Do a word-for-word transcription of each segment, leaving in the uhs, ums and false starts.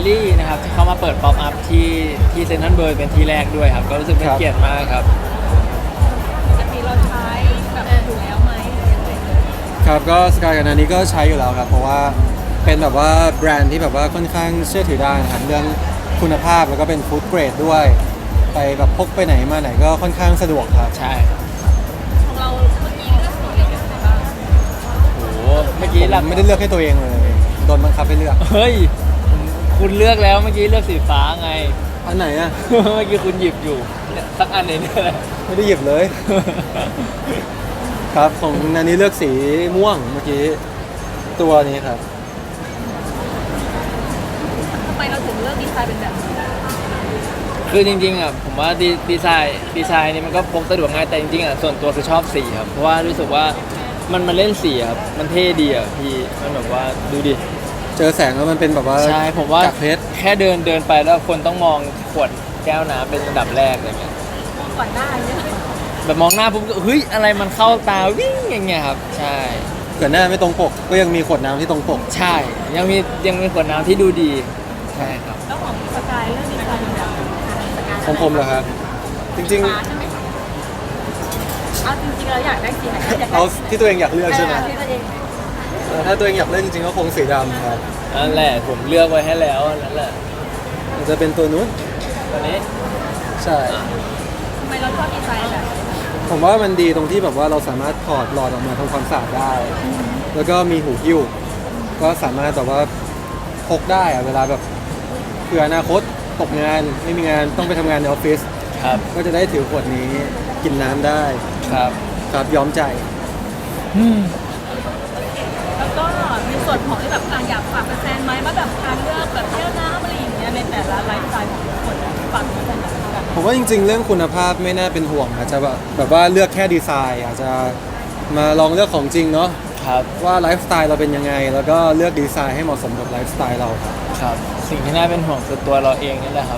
ลี่นะครับที่เขามาเปิดป๊อปอัพที่ที่เซ็นทรัลเวิลด์เป็นที่แรกด้วยครับก็รู้สึกเป็นเกียรติมากครับปกติเราใช้แบบอยู่แล้วไหมครับก็สกายกับนานี้ก็ใช้อยู่แล้วครับเพราะว่าเป็นแบบว่าแบรนด์ที่แบบว่าค่อนข้างเชื่อถือได้นะครับเรื่องคุณภาพแล้วก็เป็นฟู้ดเกรดด้วยไปแบบพกไปไหนมาไหนก็ค่อนข้างสะดวกครับใช่ของเราเมื่อกี้เลือกสีอะไรกันบ้างโอ้โหเมื่อกี้หลักไม่ได้เลือกให้ตัวเองเลยโดนบังคับให้เลือกเฮ้ยคุณเลือกแล้วเมื่อกี้เลือกสีฟ้าไงอันไหนอะเมื่อกี้คุณหยิบอยู่สักอันเนี่ยแหละไม่ได้หยิบเลยครับของนานี้เลือกสีม่วงเมื่อกี้ตัวนี้ครับทำไมเราถึงเลือกดีไซน์เป็นแบบนี้คือจริงๆอ่ะผมว่าดีดีไซน์ดีไซน์นี่มันก็พกสะดวกง่ายแต่จริงๆอ่ะส่วนตัวคือชอบสีครับเพราะว่ารู้สึกว่ามันมันเล่นสีครับมันเท่ดีอ่ะพี่มันแบบว่าดูดิเจอแสงแล้วมันเป็นแบบว่าใช่ผมว่าจากเพชรแค่เดินเดินไปแล้วคนต้องมองขวดแก้วน้ำเป็นอันดับแรกอะไรเงี้ยมองก่อนหน้าเนี่ยแบบมองหน้าปุ๊บก็เฮ้ยอะไรมันเข้าตาวิ่งอย่างเงี้ยครับใช่เกิดหน้าไม่ตรงปกก็ยังมีขวดน้ำที่ตรงปกใช่ยังมียังมีขวดน้ำที่ดูดีใช่ครับแล้วของสกายเลือกดีไซน์เป็นแบบของผมเหรอครับจริงๆเอาจริงๆเราอยากได้สีไหนเอาที่ตัวเองอยากเลือกใช่ไหมที่ตัวเองถ้าตัวเองอยากเลือกจริงๆก็คงสีดำครับนั่นแหละผมเลือกไว้ให้แล้วนั่นแหละมันจะเป็นตัวนู้นตัวนี้ใช่ทำไมเราชอบดีไซน์แบบผมว่ามันดีตรงที่แบบว่าเราสามารถถอดหลอดออกมาทำความสะอาดได้แล้วก็มีหูหิ้วก็สามารถแบบว่าพกได้อะเวลาแบบเผื่ออนาคตตกงานไม่มีงานต้องไปทำงานในออฟฟิศครับก็จะได้ถือขวดนี้กินน้ำได้ครับครับย้อมใจแล้วก็มีส่วนของที่แบบการอยากฝากแฟนไหมว่าแบบการเลือกแบบเที่ยวน้ำอะไรอย่างเงี้ยในแต่ละไลฟ์สไตล์ของทุกคนฝากแฟนๆผมว่าจริงๆเรื่องคุณภาพไม่น่าเป็นห่วงอาจจะแบบแบบว่าเลือกแค่ดีไซน์อาจจะมาลองเลือกของจริงเนาะครับว่าไลฟ์สไตล์เราเป็นยังไงแล้วก็เลือกดีไซน์ให้เหมาะสมกับไลฟ์สไตล์เราครับครับสิ่งที่น่าเป็นห่วงคือตัวเราเองนี่แหละครับ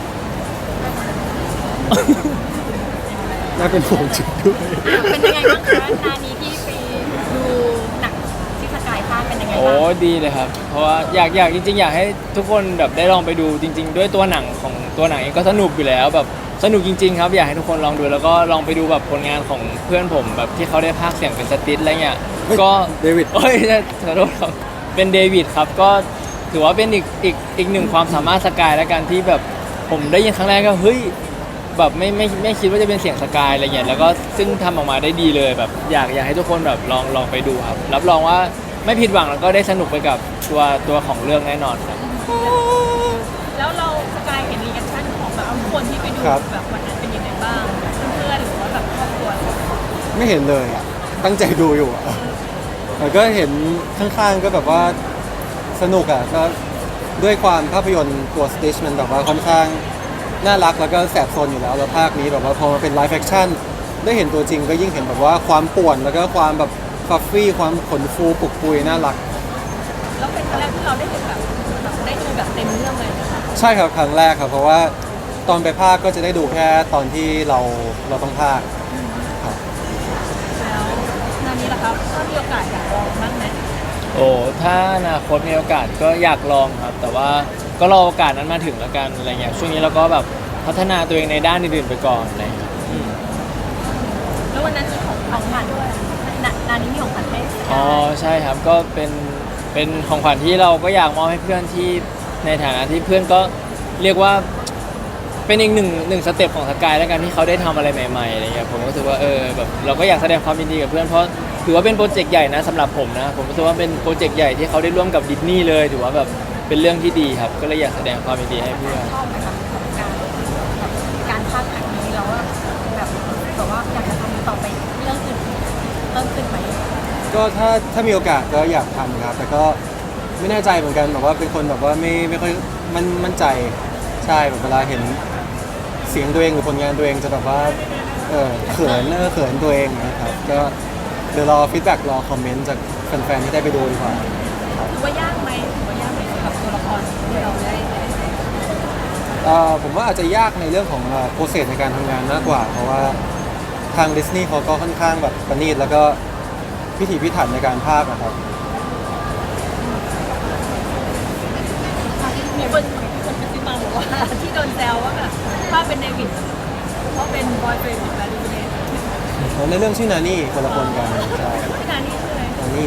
น่าเป็นห่วงจริงด้วยเป็นยังไงบ้างคะนานี้ที่ไปดูหนังที่สกายภาคเป็นยังไงบ้างโอ้ดีเลยครับเพราะว่าอยากอยากจริงๆอยากให้ทุกคนแบบได้ลองไปดูจริงๆด้วยตัวหนังของตัวหนังเองก็สนุกอยู่แล้วแบบสนุกจริงๆครับอยากให้ทุกคนลองดูแล้วก็ลองไปดูแบบผลงานของเพื่อนผมแบบที่เขาได้พากย์เสียงเป็นสติ๊ดอะไรเงี้ยก็เดวิดเอ้ยขอโทษครับเป็นเดวิดครับก็ถือว่าเป็นอีกอีกอีกหนึ่งความสามารถสกายแล้วกันที่แบบผมได้ยินครั้งแรกก็เฮ้ยแบบไม่ไม่ไม่คิดว่าจะเป็นเสียงสกายอะไรเงี้ยแล้วก็ซึ่งทำออกมาได้ดีเลยแบบอยากอยากให้ทุกคนแบบลองลองไปดูครับรับรองว่าไม่ผิดหวังแล้วก็ได้สนุกไปกับตัวตัวของเรื่องแน่นอนครับแล้วเราสกายเห็นรีแอคชั่นของแบบคนที่ไปดูแบบวันนั้นเป็นยังไงบ้างเพื่อนหรือว่าแบบครอบครัวไม่เห็นเลยอ่ะตั้งใจดูอยู่อ่ะแต่ก็เห็นข้างๆก็แบบว่าสนุกอ่ะก็ด้วยความภาพยนตร์ตัวสติชมันแบบว่าค่อนข้างน่ารักแล้วก็แสบโซนอยู่แล้วแล้วภาคนี้แบบว่าพอมาเป็นไลฟ์แฟคชั่นได้เห็นตัวจริงก็ยิ่งเห็นแบบว่าความป่วนแล้วก็ความแบบฟัฟฟี่ความขนฟูปุกปุยน่ารักแล้วเป็นครั้งแรกที่เราได้เห็นแบบได้ดูแบบเต็มเรื่องเลยนะคะใช่ครับครั้งแรกครับเพราะว่าตอนไปภาคก็จะได้ดูแค่ตอนที่เราเราต้องภาคครับแล้วงานนี้ล่ะครับถ้ามีโอกาสอยากลองบ้างไหมโอ้ถ้าอนาคตมีโอกาสก็อยากลองครับแต่ว่าก็รอโอกาสนั้นมาถึงแล้วกันอะไรเงี้ยช่วงนี้เราก็แบบพัฒนาตัวเองในด้านอื่นๆไปก่อนอะไรเงี้ยแล้ววันนั้นมีของของขวัญด้วยนานี้มีของขวัญให้อ๋อใช่ครับก็เป็นเป็นของขวัญที่เราก็อยากมอบให้เพื่อนที่ในฐานะที่เพื่อนก็เรียกว่าเป็นอีกหนึ่งหนึ่งสเต็ปของสกายแล้วกันที่เขาได้ทำอะไรใหม่ๆอะไรเงี้ยผมรู้สึกว่าเออแบบเราก็อยากแสดงความยินดีกับเพื่อนเพราะถือว่าเป็นโปรเจกต์ใหญ่นะสำหรับผมนะผมรู้สึกว่าเป็นโปรเจกต์ใหญ่ที่เขาได้ร่วมกับดิสนีย์เลยถือว่าแบบเป็นเรื่องที่ดีครับก็เลยอยากแสดงความยินดีให้เพื่อนชอบไหมคะการการภาคครั้งนี้เราแบบแบบว่าอยากจะทำต่อไปเรื่องอื่นเพิ่มขึ้นไหมก็ถ้าถ้ามีโอกาสก็อยากทำครับแต่ก็ไม่แน่ใจเหมือนกันแบบว่าเป็นคนแบบว่าไม่ไม่ค่อยมั่นมั่นใจใช่แบบเวลาเห็นเสียงตัวเองหรือผลงานตัวเองจะแบบว่าเออเขินเออเขินตัวเองนะครับก็เดี๋ยวรอฟีดแบ็กรอคอมเมนต์จากแฟนๆที่ได้ไปดูดีกว่าถือว่ายากไหมถือว่ายากไหมกับตัวละครที่เราได้ผมว่าอาจจะยากในเรื่องของโปรเซสในการทำงานมากกว่าเพราะว่าทางดิสนีย์เขาก็ค่อนข้างแบบประณีตแล้วก็พิถีพิถันในการพากย์นะครับมมีคนมีคนกระซิบมาบอกว่าที่โดนแซวว่าแบบถ้าเป็นเดวิดเพราะเป็นบอยเฟรนด์ของแบรนด์ลูเน่ในเรื่องชื่อนานี่คนละคนกันใช่ที่นานี่คืออะไรนานี่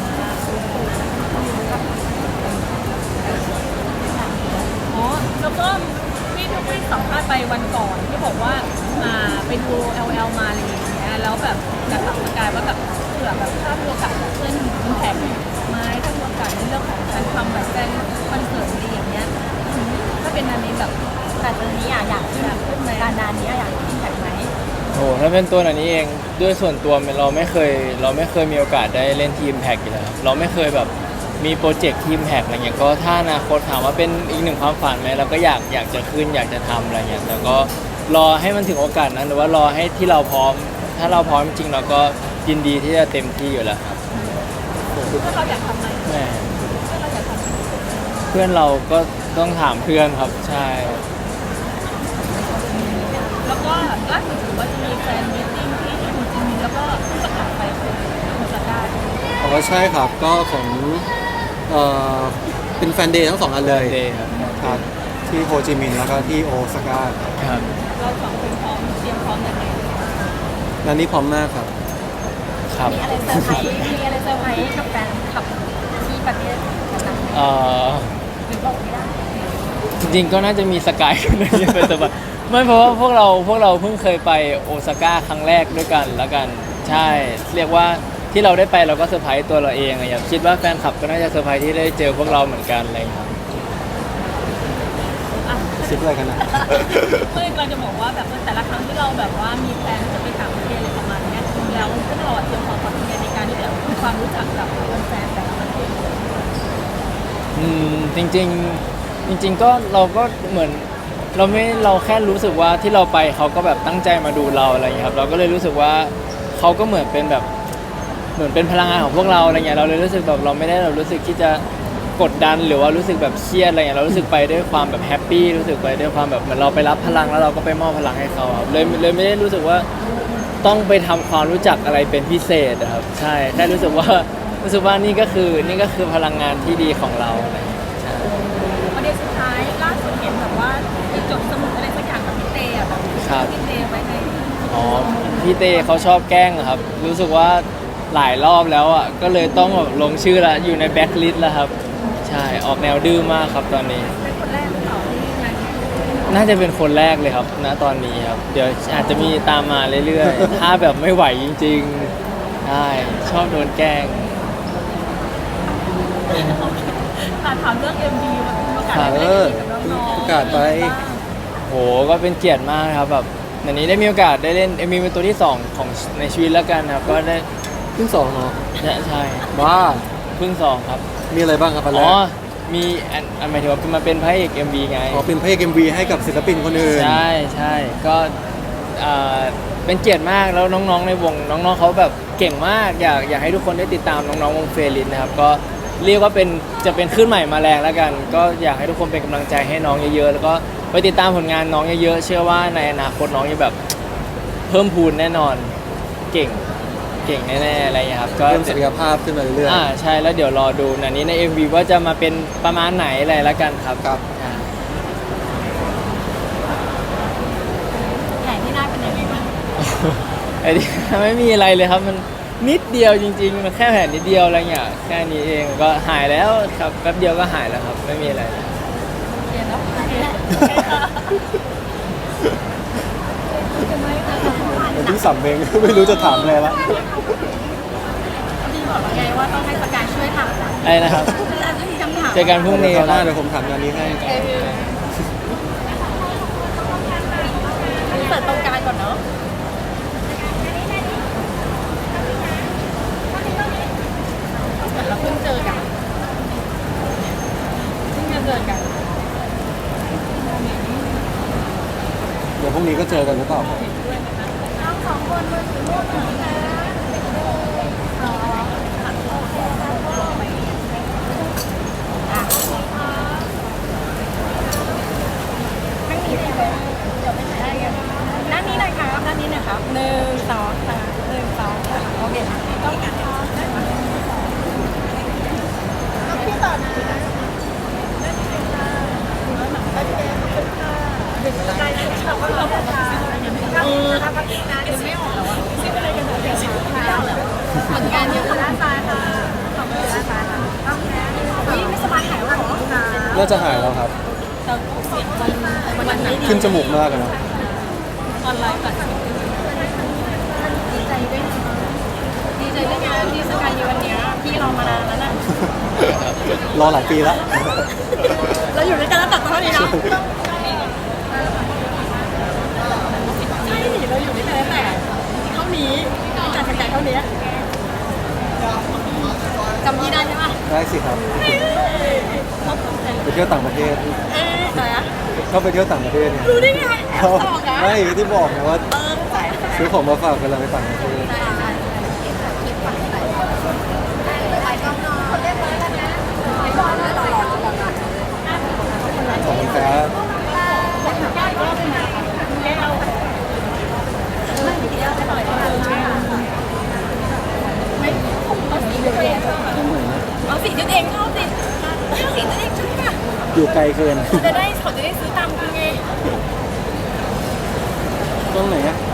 อ๋อแล้วก็พี่ทุกที่สัมภาษณ์ไปวันก่อนที่บอกว่าอ่าไปดู แอล แอล มาอะไรอย่างเงี้ยแล้วแบบจะถามสกายว่าแบบเผื่อแบบถ้ามีโอกาสกับเพื่อนอิมแพคไหมถ้ามีโอกาสในเรื่องของการทำแบบแฟนคอนเสิร์ตอะไรอย่างเงี้ยถ้าเป็นอันนี้แบบแต่ตอนนี้อะอยากขึ้นขึ้นไหมการนานนี้อยากขึ้นแข่งไหมโอ้ถ้าเป็นตัวหนันนี้เองด้วยส่วนตัวเราไม่เคย เราไม่เคยมีโอกาสได้เล่นทีมแพ็กอยู่แล้วครับเราไม่เคยแบบมีโปรเจกต์ทีมแพ็กอะไรเงี้ยก็ถ้าอนาคตถามว่าเป็นอีกหนึ่งความฝันไหมเราก็อยากอยากจะขึ้นอยากจะทำอะไรเงี้ยแต่ก็รอให้มันถึงโอกาสนั้นหรือว่ารอให้ที่เราพร้อม ถ้าเราพร้อมจริงเราก็ยินดีที่จะเต็มที่อยู่แล้วครับถ้าเราอยากทำไหมแม่ถ้าเราอยากทำเพื่อนเราก็ต้องถามเพื่อนครับใช่แล้วก็ล่าสุดถือว่าจะมีแฟนมีตติ้งที่ที่คุณจิมินแล้วก็ที่ประกาศไปคือโอซาก้าอ๋อใช่ครับก็ของเอ่อเป็นแฟนเดย์ทั้งสองอันเลยเดย์ครับครับที่โฮจิมินห์แล้วก็ที่โอซาก้าครับเราสองคนพร้อมเตรียมพร้อมยังไงนันนี่พร้อมมากครับครับมีอะไรเซอร์ไพรส์มีอะไรเซอร์ไพรส์กับแฟนคลับที่ประเทศนั้นไหมเอ่อหรือบอกไม่ได้จริงๆก็น่าจะมีสกายคนหนึงที่ไปสบายไม่เพราะว่าพวกเราพวกเราเพิ่งเคยไปโอซาก้าครั้งแรกด้วยกันแล้วกันใช่ เรียกว่าที่เราได้ไปเราก็เซอร์ไพรส์ตัวเราเองอะอย่างคิดว่าแฟนคลับก็น่าจะเซอร์ไพรส์ที่ได้เจอพวกเราเหมือนกันอะไรอย่างเงี้ยครับอ่ะซิปอะไรกันนะเมื่อเราจะบอกว่าแบบแต่ละครั้งที่เราแบบว่ามีแพลนที่จะไปต่างประเทศอะไรประมาณเนี้ยแล้วพวกเราอะเตรียมความพร้อมยังไงในการที่จะทำความรู้จักกับแฟนแต่ละประเทศอืมจริงๆจริง ๆ ก็เราก็เหมือนเราไม่เราแค่รู้สึกว่าที่เราไปเขาก็แบบตั้งใจมาดูเราอะไรอย่างเงี้ยครับเราก็เลยรู้สึกว่าเขาก็เหมือนเป็นแบบเหมือนเป็นพลังงานของพวกเราอะไรเงี้ยเราเลยรู้สึกแบบเราไม่ได้เรารู้สึกที่จะกดดันหรือว่ารู้สึกแบบเครียดอะไรเงี้ยเรารู้สึกไปด้วยความแบบแฮปปี้รู้สึกไปด้วยความแบบเหมือนเราไปรับพลังแล้วเราก็ไปมอบพลังให้เขาครับเลยเลยไม่ได้รู้สึกว่าต้องไปทำความรู้จักอะไรเป็นพิเศษอะครับใช่แค่รู้สึกว่ารู้สึกว่านี่ก็คือนี่ก็คือพลังงานที่ดีของเราอะไรเงี้ยใช่ประเด็นสุดท้ายล่าสุดเห็นแบบว่าไปจดสมุดอะไรสักอย่างกับพี่เตอะแบบครับพี่เตไว้ในอ๋อพี่เต้เขาชอบแกล้งอะครับ รู้สึกว่าหลายรอบแล้วอ่ะก็เลยต้องแบบลงชื่อละอยู่ในแบ็คลิสต์แล้วครับ ใช่ออกแนวดื้อมากครับตอนนี้เป็นคนแรกหรือเปล่าที่งานนี้น่าจะเป็นคนแรกเลยครับณตอนนี้ครับ เดี๋ยวอาจจะมีตามมาเรื่อยๆ ถ้าแบบไม่ไหวจริงๆใช่ชอบโดนแกล้งอ่ะถามเรื่อง เอ็ม วี มันมีโอกาสได้เอเล่อนกับน้องๆประกาศไปโหก็เป็นเกียรติมากครับแบบในนี้ได้มีโอกาสได้เล่นเอ็มวีเป็นตัวที่สองของในชีวิตแล้วกันครับก็ได้เพิ่งสองเนาะใช่ใช่ว้าเพิ่งสองครับมีอะไรบ้างครับอันแรอ๋กอมีอันอันหมายถึงว่ามาเป็นพระเอก เอ็ม วี ไงอ๋อเป็นเพลงเอ็มวีให้กับศิลปินคนอื่นใช่ใช่ก็เอ่อเป็นเกียรติมากแล้วน้องๆในวงน้องๆเขาแบบเก่งมากอยากอยากให้ทุกคนได้ติดตามน้องๆวงเฟรลินนะครับก็เรียกว่าเป็นจะเป็นคลื่นใหม่มาแรงแล้วกัน ก็อยากให้ทุกคนเป็นกำลังใจให้น้องเยอะๆแล้วก็ไปติดตามผลงานน้องเยอะๆเชื่อว่าในอนาคตน้องจะแบบเพิ่มพูนแน่นอนเก่งเก่งแน่ๆอะไรอย่างเงี้ยครับก็เพิ่มศักยภาพขึ้นมาเรื่อยอ่าใช่แล้วเดี๋ยวรอดูนันนี้ใน เอ็ม วี ว่าจะมาเป็นประมาณไหนอะไรแล้วกันครับครับอ่าแข่งที่น่าเป็นยังไงบ้างไอ้นี่ ไม่มีอะไรเลยครับมันนิดเดียวจริงๆมันแค่แผลนิดเดียวอะไรเงี้ยแค่นี้เองก็หายแล้วครับแป๊บเดียวก็หายแล้วครับไม่มีอะไรเลยเรียนแล้วๆวันที่สามเอง ไม่รู้จะถามอะไรละพี่บอกแล้วไงว่าต้องให้สกายช่วยทำไอ้นะครับถ้ามีคำถามเจอกันพรุ่งนี้เดี๋ยวคคราวหรัน้าบเดี๋ยวผมถามงานนี้ให้เปิดตรงกลางก่อนเนาะเหมือนเราเพิ่งเจอกันเพิ่งจะเจอกันเดี๋ยวพรุ่งนี้ก็เจอกันหรือเปล่าครับน้องสองคนมือถือรูปหน่อยนะอ๋ออ่ะทั้งนี้เลยค่ะเดี๋ยวไปถ่ายได้กันด้านนี้หน่อยครับด้านนี้หน่อยครับหนึ่งสองสามหนึ่งสองสามโอเคค่ะต้องการพี่ต่อนะน่าจะหายแล้วครับแต่เสียงมันมันหนักขึ้นจมูกมากเลยนะออนไลน์กับดีใจด้วยนะดีใจด้วยงานที่สกายอยู่วันเนี้ยพี่รอมานานแล้วนะรอหลายปีแล้วเราอยู่ด้วยกันตั้งแต่เท่านี้นะใช่ดิเราอยู่ด้วยกันตั้งแต่เท่านี้ตั้งแต่สกายเท่านี้จำพี่ได้ใช่ปะได้สิครับ ไปเที่ยวต่างประเทศเอ๊ะอะไรอะก็ไปเที่ยวต่างประเทศเนี่ยรู้ได้ไงแอบเขาตอกอะไม่ที่บอกนะว่าเออใส่ซื้อของมาฝากเวลาไปต่างประเทศไปกล้องนอนเรียบร้อยแล้วนะไปก่อนนะรอรอรอรอขอบคุณครับเอาสีตัวเองชอบสิเอาสีตัวเองชอบป่ะอยู่ไกลเกินจะได้เขาจะได้ซื้อตามคุณไงตรงไหนอะ